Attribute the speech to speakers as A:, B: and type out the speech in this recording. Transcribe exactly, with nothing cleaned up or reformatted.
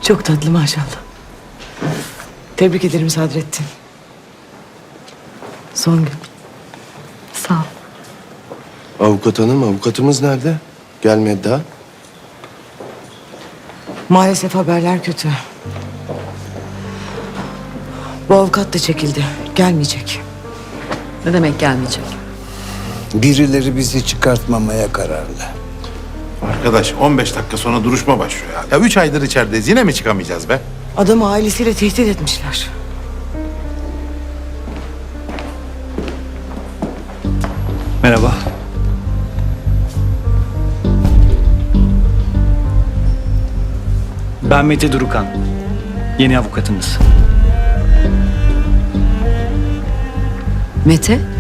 A: Çok tatlı maşallah. Tebrik ederim Sadrettin. Son gün.
B: Sağ ol.
C: Avukat hanım, avukatımız nerede? Gelmedi daha.
A: Maalesef haberler kötü. Bu avukat da çekildi. Gelmeyecek.
B: Ne demek gelmeyecek?
D: Birileri bizi çıkartmamaya kararlı.
E: Arkadaş on beş dakika sonra duruşma başlıyor ya. Ya üç aydır içerideyiz. Yine mi çıkamayacağız be?
A: Adamı ailesiyle tehdit etmişler.
F: Merhaba. Ben Mete Durukan. Yeni avukatınız.
B: Mete?